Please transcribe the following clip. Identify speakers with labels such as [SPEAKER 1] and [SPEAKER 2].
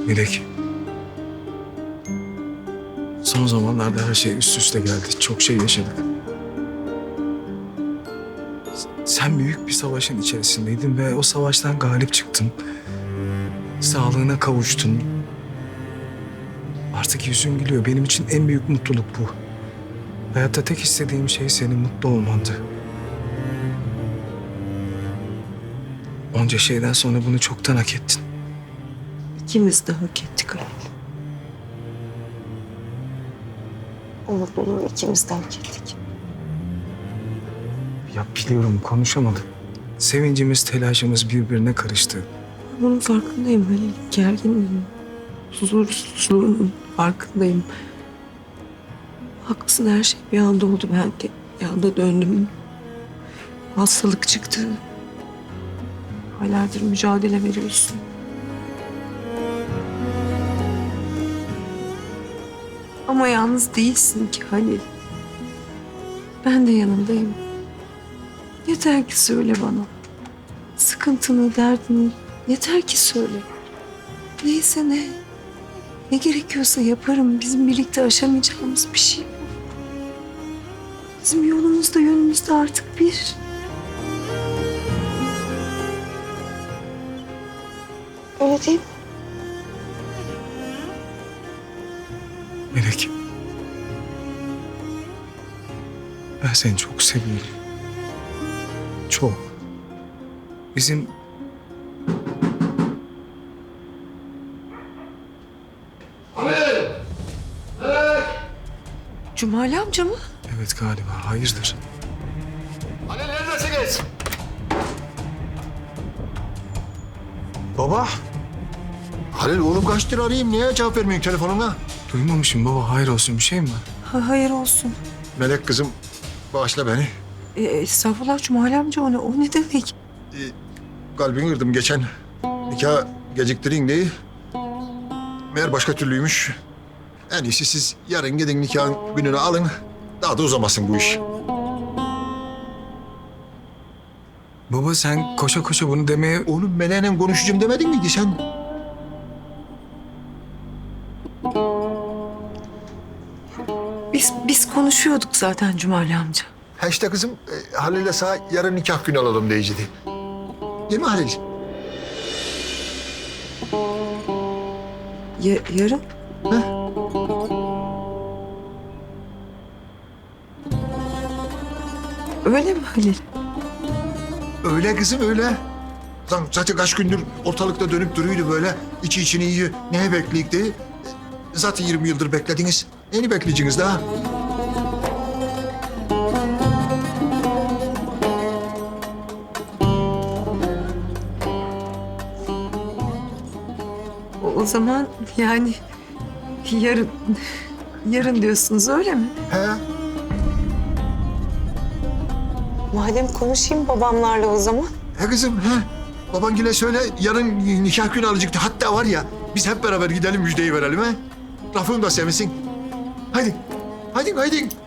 [SPEAKER 1] Melek. Son zamanlarda her şey üst üste geldi. Çok şey yaşadık. Sen büyük bir savaşın içerisindeydin ve o savaştan galip çıktın. Sağlığına kavuştun. Artık yüzün gülüyor. Benim için en büyük mutluluk bu. Hayatta tek istediğim şey senin mutlu olmandı. Onca şeyden sonra bunu çoktan hak ettin.
[SPEAKER 2] İkimiz de hak ettik Halil. O mutluluğu ikimiz de hak ettik.
[SPEAKER 1] Ya biliyorum konuşamadık. Sevincimiz, telaşımız birbirine karıştı.
[SPEAKER 2] Bunun farkındayım Halil. Gerginliğim, huzursuzluğunun farkındayım. Haklısın, her şey bir anda oldu. Ben de bir anda döndüm. Hastalık çıktı. Aylardır mücadele veriyorsun. Ama yalnız değilsin ki Halil. Ben de yanındayım. Yeter ki söyle bana. Sıkıntını, derdini yeter ki söyle. Neyse ne. Ne gerekiyorsa yaparım. Bizim birlikte aşamayacağımız bir şey bu. Bizim yolumuz da yönümüz de artık bir. Öyle değil mi?
[SPEAKER 1] Melek. Ben seni çok seviyorum. Çok. Bizim...
[SPEAKER 2] Cumali amca mı?
[SPEAKER 1] Evet galiba. Hayırdır?
[SPEAKER 3] Halil neredesiniz?
[SPEAKER 1] Baba.
[SPEAKER 3] Halil oğlum kaçtır arayayım. Niye cevap vermiyorsun telefonuna?
[SPEAKER 1] Duymamışım baba. Hayır olsun. Bir şey mi var?
[SPEAKER 2] Hayır olsun.
[SPEAKER 3] Melek kızım bağışla beni.
[SPEAKER 2] Estağfurullah Cumali amca, o ne demek?
[SPEAKER 3] Kalbini kırdım geçen. Nikah geciktirin diye. Meğer başka türlüymüş. En iyisi siz yarın gidin nikahın gününü alın. Daha da uzamasın bu iş.
[SPEAKER 1] Baba sen koşa koşa bunu demeye...
[SPEAKER 3] Oğlum Melek'le konuşacağım demedin miydi sen?
[SPEAKER 2] Biz konuşuyorduk zaten Cumali amca.
[SPEAKER 3] Ha işte kızım Halil'le sana yarın nikah günü alalım diyecekti. Değil mi Halil?
[SPEAKER 2] Yarın? Öyle mi Halil?
[SPEAKER 3] Öyle kızım öyle. Zaten kaç gündür ortalıkta dönüp duruyordu böyle. İçi içini yiyor. Neye bekleyik diye. Zaten 20 yıldır beklediniz. Neyini bekleyeceksiniz daha?
[SPEAKER 2] O zaman yani yarın diyorsunuz, öyle mi?
[SPEAKER 3] He?
[SPEAKER 2] Madem konuşayım babamlarla o zaman.
[SPEAKER 3] He kızım he. Babangile söyle yarın nikah günü alacaktı. Hatta var ya biz hep beraber gidelim müjdeyi verelim he. Rafım da sevmesin. Haydi. Haydi haydi.